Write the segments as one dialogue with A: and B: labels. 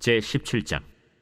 A: 제17장.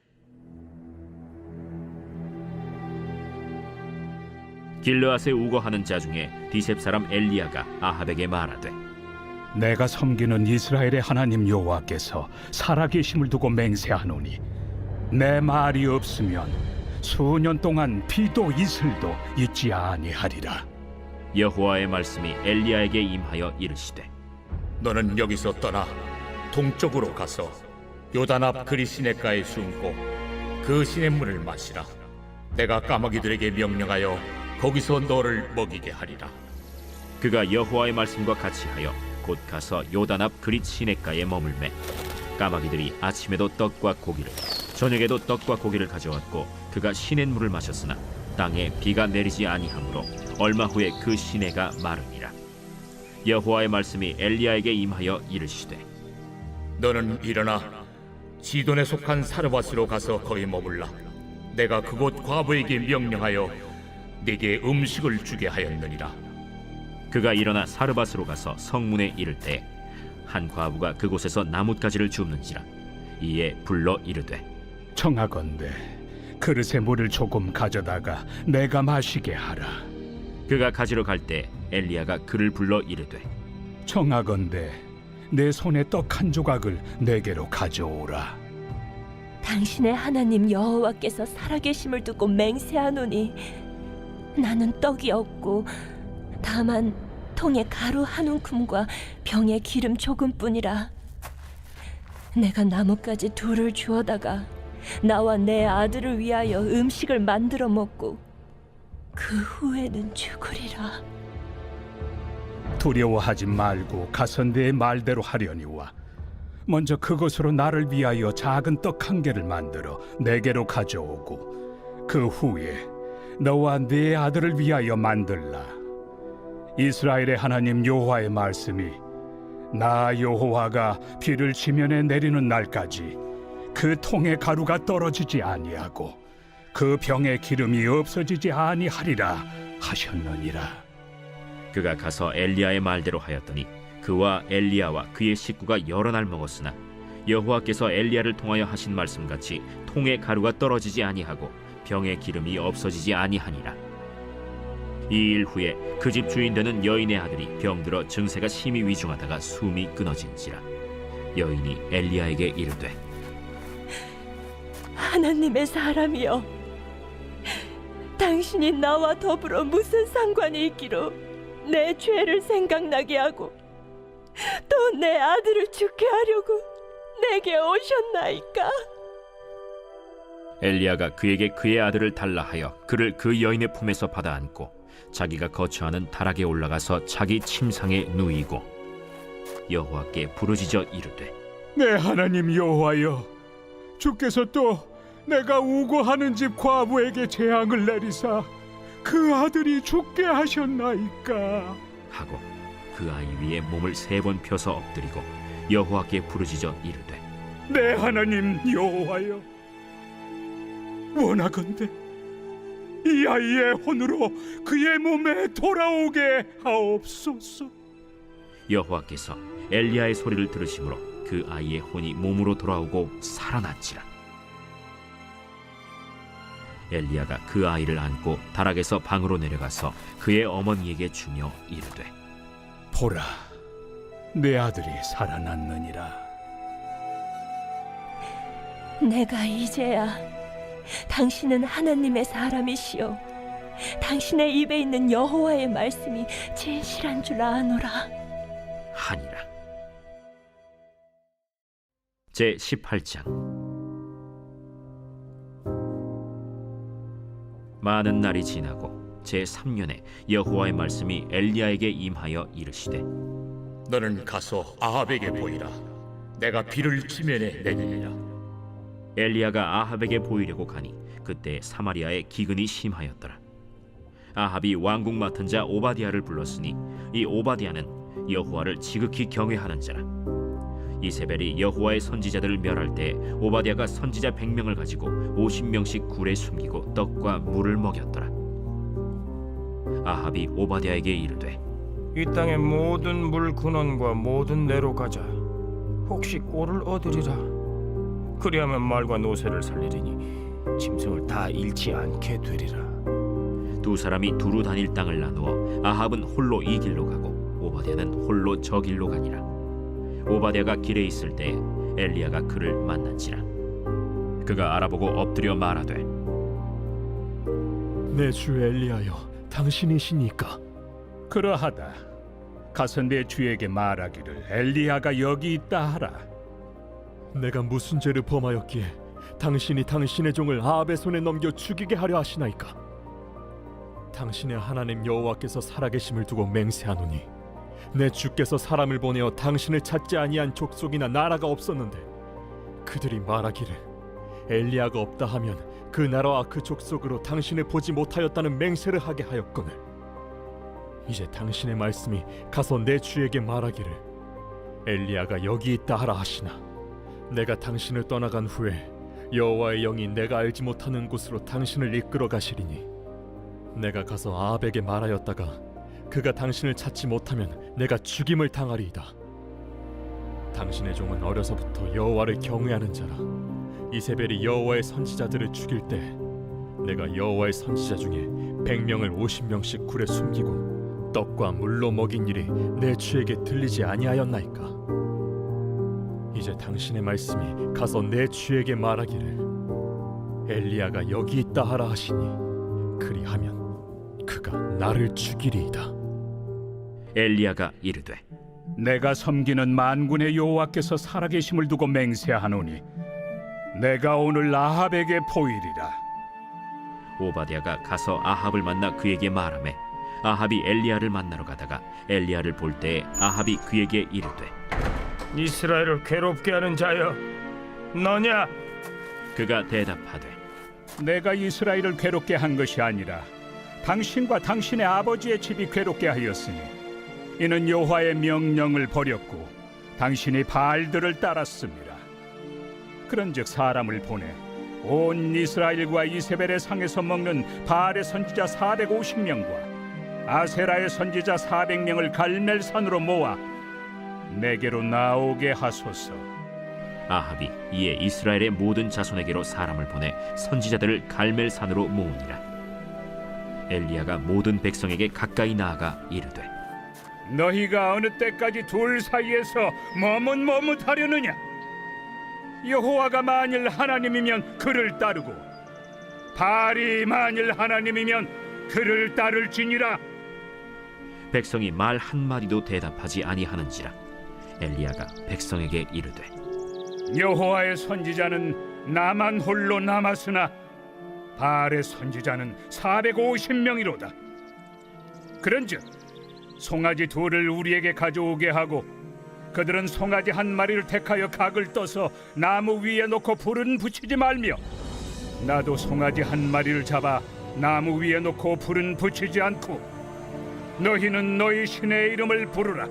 A: 길르앗에 우거하는 자 중에 디셉 사람 엘리야가 아합에게 말하되,
B: 내가 섬기는 이스라엘의 하나님 여호와께서 살아계심을 두고 맹세하노니 내 말이 없으면 수년 동안 비도 이슬도 있지 아니하리라.
A: 여호와의 말씀이 엘리야에게 임하여 이르시되,
C: 너는 여기서 떠나 동쪽으로 가서 요단 앞 그리 시냇가에 숨고 그 시냇물을 마시라. 내가 까마귀들에게 명령하여 거기서 너를 먹이게 하리라.
A: 그가 여호와의 말씀과 같이 하여 곧 가서 요단 앞 그릿 시냇가에 머물매 까마귀들이 아침에도 떡과 고기를 저녁에도 떡과 고기를 가져왔고 그가 시냇물을 마셨으나 땅에 비가 내리지 아니하므로 얼마 후에 그 시내가 마르니라. 여호와의 말씀이 엘리야에게 임하여 이르시되,
C: 너는 일어나 시돈에 속한 사르밧으로 가서 거기 머물라. 내가 그곳 과부에게 명령하여 네게 음식을 주게 하였느니라.
A: 그가 일어나 사르밧으로 가서 성문에 이를 때 한 과부가 그곳에서 나뭇가지를 줍는지라. 이에 불러 이르되,
B: 청하건대 그릇에 물을 조금 가져다가 내가 마시게 하라.
A: 그가 가지러 갈 때 엘리야가 그를 불러 이르되,
B: 청하건대 내 손에 떡 한 조각을 내게로 가져오라.
D: 당신의 하나님 여호와께서 살아계심을 두고 맹세하노니 나는 떡이 없고 다만 통에 가루 한 움큼과 병에 기름 조금뿐이라. 내가 나뭇가지 둘을 주워다가 나와 내 아들을 위하여 음식을 만들어 먹고 그 후에는 죽으리라.
B: 두려워하지 말고 가서 내 말대로 하려니와 먼저 그것으로 나를 위하여 작은 떡 한 개를 만들어 내게로 가져오고 그 후에 너와 네 아들을 위하여 만들라. 이스라엘의 하나님 여호와의 말씀이 나 여호와가 비를 지면에 내리는 날까지 그 통에 가루가 떨어지지 아니하고 그 병에 기름이 없어지지 아니하리라 하셨느니라.
A: 그가 가서 엘리야의 말대로 하였더니 그와 엘리야와 그의 식구가 여러 날 먹었으나 여호와께서 엘리야를 통하여 하신 말씀같이 통에 가루가 떨어지지 아니하고 병에 기름이 없어지지 아니하니라. 이 일 후에 그 집 주인 되는 여인의 아들이 병들어 증세가 심히 위중하다가 숨이 끊어진지라. 여인이 엘리야에게 이르되,
D: 하나님의 사람이여, 당신이 나와 더불어 무슨 상관이 있기로 내 죄를 생각나게 하고 또 내 아들을 죽게 하려고 내게 오셨나이까?
A: 엘리야가 그에게 그의 아들을 달라 하여 그를 그 여인의 품에서 받아 안고 자기가 거처하는 다락에 올라가서 자기 침상에 누이고 여호와께 부르짖어 이르되,
B: 내 하나님 여호와여, 주께서 또 내가 우고하는 집 과부에게 재앙을 내리사 그 아들이 죽게 하셨나이까?
A: 하고 그 아이 위에 몸을 3번 펴서 엎드리고 여호와께 부르짖어 이르되,
B: 내 하나님 여호와여, 원하건대 이 아이의 혼으로 그의 몸에 돌아오게 하옵소서.
A: 여호와께서 엘리야의 소리를 들으심으로 그 아이의 혼이 몸으로 돌아오고 살아났지라. 엘리야가 그 아이를 안고 다락에서 방으로 내려가서 그의 어머니에게 주며 이르되,
B: 보라, 내 아들이 살아났느니라.
D: 내가 이제야 당신은 하나님의 사람이시오, 당신의 입에 있는 여호와의 말씀이 진실한 줄 아노라
A: 하니라. 제18장. 많은 날이 지나고 제3년에 여호와의 말씀이 엘리야에게 임하여 이르시되,
C: 너는 가서 아합에게 보이라. 내가 비를 지면에 내리리라.
A: 엘리야가 아합에게 보이려고 가니 그때 사마리아에 기근이 심하였더라. 아합이 왕궁 맡은 자 오바디아를 불렀으니 이 오바디아는 여호와를 지극히 경외하는 자라. 이세벨이 여호와의 선지자들을 멸할 때 오바디아가 선지자 100명을 가지고 50명씩 굴에 숨기고 떡과 물을 먹였더라. 아합이 오바디아에게 이르되,
E: 이 땅의 모든 물 근원과 모든 내로 가자. 혹시 꼴을 얻으리라. 그리하면 말과 노새를 살리리니 짐승을 다 잃지 않게 되리라.
A: 두 사람이 두루 다닐 땅을 나누어 아합은 홀로 이 길로 가고 오바댜는 홀로 저 길로 가니라. 오바댜가 길에 있을 때 엘리야가 그를 만난지라. 그가 알아보고 엎드려 말하되
F: 내 주 엘리야여, 당신이시니까?
B: 그러하다. 가서 내 주에게 말하기를 엘리야가 여기 있다 하라.
F: 내가 무슨 죄를 범하였기에 당신이 당신의 종을 아합의 손에 넘겨 죽이게 하려 하시나이까? 당신의 하나님 여호와께서 살아계심을 두고 맹세하노니 내 주께서 사람을 보내어 당신을 찾지 아니한 족속이나 나라가 없었는데 그들이 말하기를 엘리야가 없다 하면 그 나라와 그 족속으로 당신을 보지 못하였다는 맹세를 하게 하였거늘 이제 당신의 말씀이 가서 내 주에게 말하기를 엘리야가 여기 있다 하라 하시나 내가 당신을 떠나간 후에 여호와의 영이 내가 알지 못하는 곳으로 당신을 이끌어 가시리니 내가 가서 아합에게 말하였다가 그가 당신을 찾지 못하면 내가 죽임을 당하리이다. 당신의 종은 어려서부터 여호와를 경외하는 자라. 이세벨이 여호와의 선지자들을 죽일 때 내가 여호와의 선지자 중에 100명을 50명씩 굴에 숨기고 떡과 물로 먹인 일이 내 주에게 들리지 아니하였나이까? 이제 당신의 말씀이 가서 내 주에게 말하기를 엘리야가 여기 있다 하라 하시니 그리하면 그가 나를 죽이리이다.
A: 엘리야가 이르되
B: 내가 섬기는 만군의 여호와께서 살아계심을 두고 맹세하노니 내가 오늘 아합에게 보이리라.
A: 오바댜가 가서 아합을 만나 그에게 말하매 아합이 엘리야를 만나러 가다가 엘리야를 볼 때에 아합이 그에게 이르되
E: 이스라엘을 괴롭게 하는 자여, 너냐?
A: 그가 대답하되
B: 내가 이스라엘을 괴롭게 한 것이 아니라 당신과 당신의 아버지의 집이 괴롭게 하였으니 이는 여호와의 명령을 버렸고 당신이 바알들을 따랐습니다. 그런즉 사람을 보내 온 이스라엘과 이세벨의 상에서 먹는 바알의 선지자 450명과 아세라의 선지자 400명을 갈멜산으로 모아 내게로 나오게 하소서.
A: 아합이 이에 이스라엘의 모든 자손에게로 사람을 보내 선지자들을 갈멜산으로 모으니라. 엘리야가 모든 백성에게 가까이 나아가 이르되
B: 너희가 어느 때까지 둘 사이에서 머뭇머뭇하려느냐? 여호와가 만일 하나님이면 그를 따르고 바알이 만일 하나님이면 그를 따를지니라.
A: 백성이 말 한마디도 대답하지 아니하는지라. 엘리야가 백성에게 이르되
B: 여호와의 선지자는 나만 홀로 남았으나 바알의 선지자는 450명이로다. 그런즉 송아지 둘을 우리에게 가져오게 하고 그들은 송아지 한 마리를 택하여 각을 떠서 나무 위에 놓고 불은 붙이지 말며 나도 송아지 한 마리를 잡아 나무 위에 놓고 불은 붙이지 않고 너희는 너희 신의 이름을 부르라.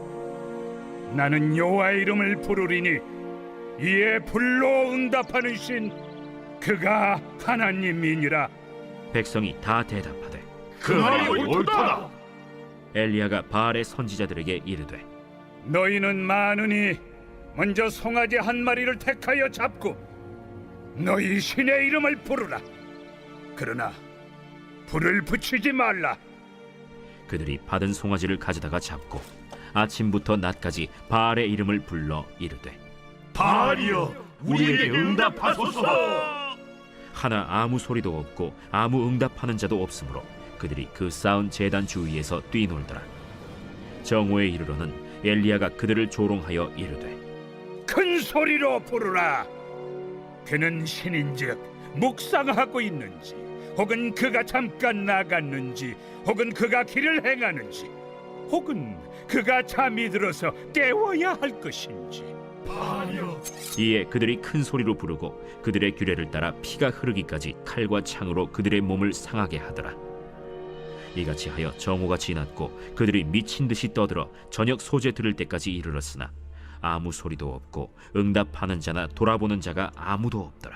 B: 나는 여호와의 이름을 부르리니 이에 불로 응답하는 신 그가 하나님이니라.
A: 백성이 다 대답하되
C: 그 말이 옳도다.
A: 엘리야가 바알의 선지자들에게 이르되
B: 너희는 많으니 먼저 송아지 한 마리를 택하여 잡고 너희 신의 이름을 부르라. 그러나 불을 붙이지 말라.
A: 그들이 받은 송아지를 가져다가 잡고 아침부터 낮까지 바알의 이름을 불러 이르되
C: 바알이여, 우리에게 응답하소서.
A: 하나 아무 소리도 없고 아무 응답하는 자도 없으므로 그들이 그 쌓은 제단 주위에서 뛰놀더라. 정오에 이르러는 엘리야가 그들을 조롱하여 이르되
B: 큰 소리로 부르라. 그는 신인즉 묵상하고 있는지 혹은 그가 잠깐 나갔는지 혹은 그가 길을 행하는지 혹은 그가 잠이 들어서 깨워야 할 것인지.
A: 이에 그들이 큰 소리로 부르고 그들의 규례를 따라 피가 흐르기까지 칼과 창으로 그들의 몸을 상하게 하더라. 이같이 하여 정오가 지났고 그들이 미친 듯이 떠들어 저녁 소재 들을 때까지 이르렀으나 아무 소리도 없고 응답하는 자나 돌아보는 자가 아무도 없더라.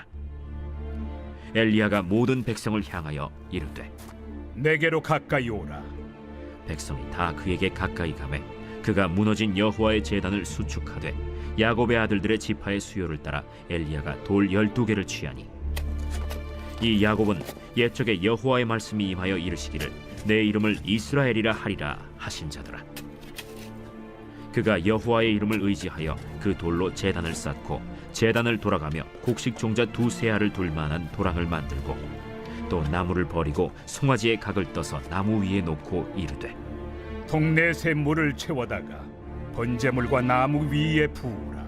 A: 엘리야가 모든 백성을 향하여 이르되
B: 내게로 가까이 오라.
A: 백성이 다 그에게 가까이 가매 그가 무너진 여호와의 제단을 수축하되 야곱의 아들들의 지파의 수요를 따라 엘리야가 돌 12개를 취하니 이 야곱은 옛적에 여호와의 말씀이 임하여 이르시기를 내 이름을 이스라엘이라 하리라 하신 자더라. 그가 여호와의 이름을 의지하여 그 돌로 제단을 쌓고 제단을 돌아가며 곡식 종자 2-3 알을 둘 만한 도랑을 만들고 또 나무를 버리고 송아지의 각을 떠서 나무 위에 놓고 이르되
B: 동네 새 물을 채워다가 번제물과 나무 위에 부으라.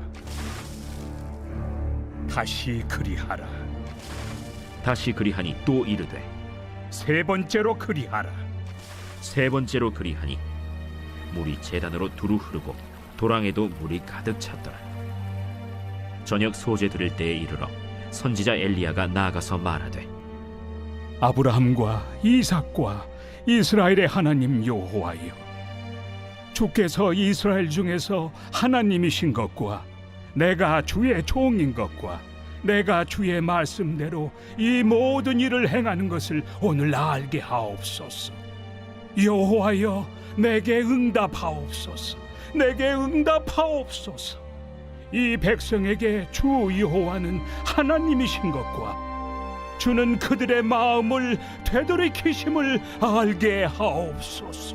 B: 다시 그리하라.
A: 다시 그리하니 또 이르되
B: 3번째로 그리하라.
A: 3번째로 그리하니 물이 제단으로 두루 흐르고 도랑에도 물이 가득 찼더라. 저녁 소제 드릴 때에 이르러 선지자 엘리야가 나아가서 말하되
B: 아브라함과 이삭과 이스라엘의 하나님 여호와여, 주께서 이스라엘 중에서 하나님이신 것과 내가 주의 종인 것과 내가 주의 말씀대로 이 모든 일을 행하는 것을 오늘 알게 하옵소서. 여호와여, 내게 응답하옵소서. 내게 응답하옵소서. 이 백성에게 주 여호와는 하나님이신 것과 주는 그들의 마음을 되돌이키심을 알게 하옵소서.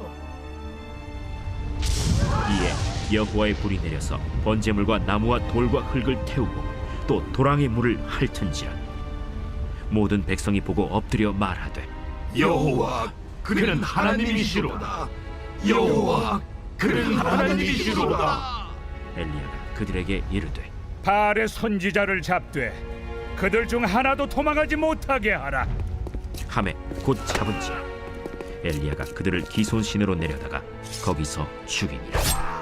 A: 이에 여호와의 불이 내려서 번제물과 나무와 돌과 흙을 태우고 또 도랑의 물을 핥은지라. 모든 백성이 보고 엎드려 말하되
G: 여호와 그는 하나님이시로다. 여호와 그는 하나님이시로다.
A: 엘리야가 그들에게 이르되
B: 바알의 선지자를 잡되 그들 중 하나도 도망하지 못하게 하라.
A: 하매 곧 잡은지라. 엘리야가 그들을 기손신으로 내려다가 거기서 죽이니라.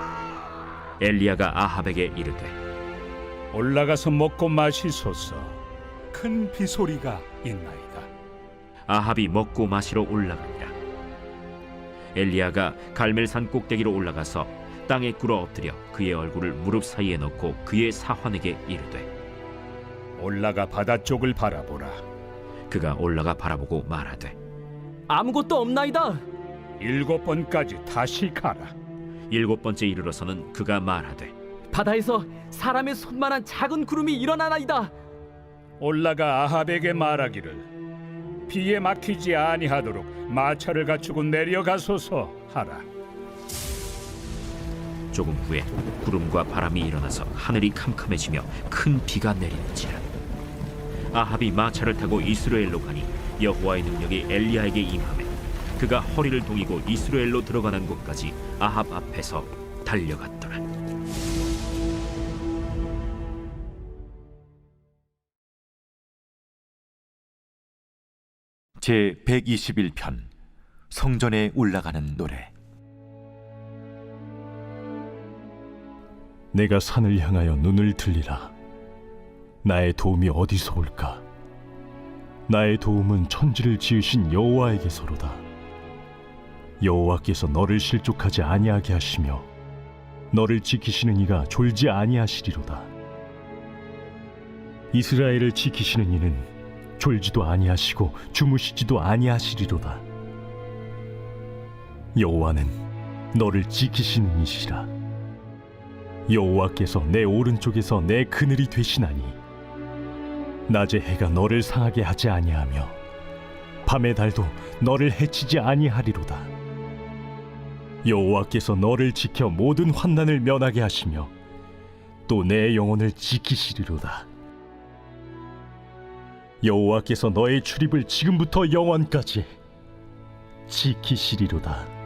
A: 엘리야가 아합에게 이르되
B: 올라가서 먹고 마시소서. 큰 비소리가 있나이다.
A: 아합이 먹고 마시러 올라가니라. 엘리야가 갈멜산 꼭대기로 올라가서 땅에 꿇어 엎드려 그의 얼굴을 무릎 사이에 넣고 그의 사환에게 이르되
B: 올라가 바다 쪽을 바라보라.
A: 그가 올라가 바라보고 말하되
H: 아무것도 없나이다.
B: 7번까지 다시 가라.
A: 7번째 이르러서는 그가 말하되
H: 바다에서 사람의 손만한 작은 구름이 일어나나이다.
B: 올라가 아합에게 말하기를 비에 막히지 아니하도록 마차를 갖추고 내려가소서 하라.
A: 조금 후에 구름과 바람이 일어나서 하늘이 캄캄해지며 큰 비가 내리는지라. 아합이 마차를 타고 이스라엘로 가니 여호와의 능력이 엘리야에게 임하매 그가 허리를 동이고 이스라엘로 들어가는 곳까지 아합 앞에서 달려갔더라.
I: 제 121편 성전에 올라가는 노래.
F: 내가 산을 향하여 눈을 들리라. 나의 도움이 어디서 올까? 나의 도움은 천지를 지으신 여호와에게서로다. 여호와께서 너를 실족하지 아니하게 하시며 너를 지키시는 이가 졸지 아니하시리로다. 이스라엘을 지키시는 이는 졸지도 아니하시고 주무시지도 아니하시리로다. 여호와는 너를 지키시는 이시라. 여호와께서 내 오른쪽에서 내 그늘이 되시나니 낮의 해가 너를 상하게 하지 아니하며 밤의 달도 너를 해치지 아니하리로다. 여호와께서 너를 지켜 모든 환난을 면하게 하시며 또 내 영혼을 지키시리로다. 여호와께서 너의 출입을 지금부터 영원까지 지키시리로다.